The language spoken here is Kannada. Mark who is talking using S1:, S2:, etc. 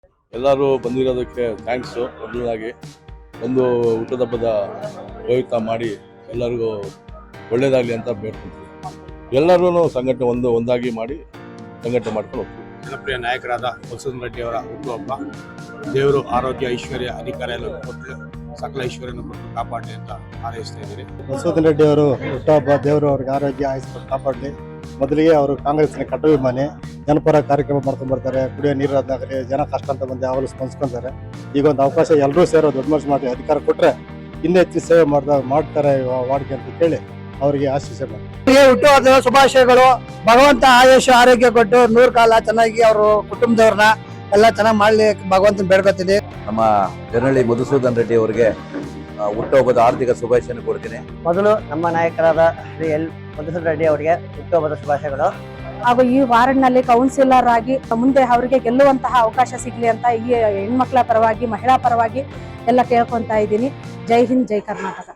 S1: ಎಲ್ಲರೂ ಬಂದಿರೋದಕ್ಕೆ ಥ್ಯಾಂಕ್ಸು. ಮೊದಲನಾಗಿ ಒಂದು ಹುಟ್ಟದ ಹಬ್ಬದ ಪ್ರಯುಕ್ತ ಮಾಡಿ ಎಲ್ಲರಿಗೂ ಒಳ್ಳೇದಾಗಲಿ ಅಂತ ಬೇಡ್ಕೊಳ್ತೀವಿ. ಎಲ್ಲರೂ ಸಂಘಟನೆ ಒಂದಾಗಿ ಮಾಡಿ ಸಂಘಟನೆ ಮಾಡ್ಕೊಂಡು ಹೋಗ್ತೀವಿ.
S2: ಜನಪ್ರಿಯ ನಾಯಕರಾದ ಮಧುಸೂದನ್ ರೆಡ್ಡಿ ಅವರ ಹುಟ್ಟುಹಬ್ಬ. ದೇವರು ಆರೋಗ್ಯ, ಐಶ್ವರ್ಯ, ಅಧಿಕಾರ ಎಲ್ಲ ಕೊಟ್ಟು ಸಕಲ ಐಶ್ವರ್ಯನ ಕೊಟ್ಟು ಕಾಪಾಡಲಿ ಅಂತ ಹಾರೈಸ್ತಾ ಇದ್ದೀರಿ.
S3: ಮಧುಸೂದನ್ ರೆಡ್ಡಿ ಅವರು ಹುಟ್ಟುಹಬ್ಬ, ದೇವರು ಅವ್ರಿಗೆ ಆರೋಗ್ಯ ಆಯುಷ್ಯ ಕಾಪಾಡಲಿ. ಮೊದಲಿಗೆ ಅವರು ಕಾಂಗ್ರೆಸ್ನ ಕಟ್ಟವಿಮಾನಿ, ಜನಪರ ಕಾರ್ಯಕ್ರಮ ಮಾಡ್ಕೊಂಡು ಬರ್ತಾರೆ. ಕುಡಿಯೋ ನೀರಾದಾಗಲಿ ಜನ ಕಷ್ಟ ಅಂತ ಬಂದು ಯಾವಾಗಲೂ ಸ್ಪಂದಿಸ್ಕೊಂತಾರೆ. ಈಗ ಒಂದು ಅವಕಾಶ ಎಲ್ಲರೂ ಸೇರೋ ದೊಡ್ಡ ಮನಸ್ಸು ಮಾಡಿ ಅಧಿಕಾರ ಕೊಟ್ಟರೆ ಇನ್ನೂ ಹೆಚ್ಚು ಸೇವೆ ಮಾಡ್ತಾರೆ ವಾರ್ಡ್ಗೆ ಅಂತ ಕೇಳಿ ಅವರಿಗೆ ಆಶೀರ್ವಾದ ಮಾಡಿ.
S4: ಹುಟ್ಟುಹಬ್ಬದ ಶುಭಾಶಯಗಳು. ಭಗವಂತ ಆಯುಷ ಆರೋಗ್ಯ ಕೊಟ್ಟು 100 ಕಾಲ ಚೆನ್ನಾಗಿ ಅವರು ಕುಟುಂಬದವ್ರನ್ನ ಎಲ್ಲ ಚೆನ್ನಾಗಿ ಮಾಡ್ಲಿ ಭಗವಂತನ ಬೇಡ್ಕೊತೀನಿ.
S5: ನಮ್ಮ ಜನಹಳ್ಳಿ ಮಧುಸೂದನ್ ರೆಡ್ಡಿ ಅವರಿಗೆ ಹುಟ್ಟುಹಬ್ಬದ ಆರ್ಥಿಕ ಶುಭಾಶಯ ಕೊಡ್ತೀನಿ.
S6: ಮೊದಲು ನಮ್ಮ ನಾಯಕರಾದ ಶ್ರೀ ಎಲ್ ಮಧುಸೂದನ್ ರೆಡ್ಡಿ ಅವರಿಗೆ ಹುಟ್ಟುಹಬ್ಬದ ಶುಭಾಶಯಗಳು.
S7: ಹಾಗೂ ಈ ವಾರ್ಡ್ನಲ್ಲಿ ಕೌನ್ಸಿಲರ್ ಆಗಿ ಮುಂದೆ ಅವರಿಗೆ ಗೆಲ್ಲುವಂತಹ ಅವಕಾಶ ಸಿಗ್ಲಿ ಅಂತ ಈ ಹೆಣ್ಮಕ್ಳ ಪರವಾಗಿ, ಮಹಿಳಾ ಪರವಾಗಿ ಎಲ್ಲ ಕೇಳ್ಕೊಂತ ಇದ್ದೀನಿ. ಜೈ ಹಿಂದ್, ಜೈ ಕರ್ನಾಟಕ.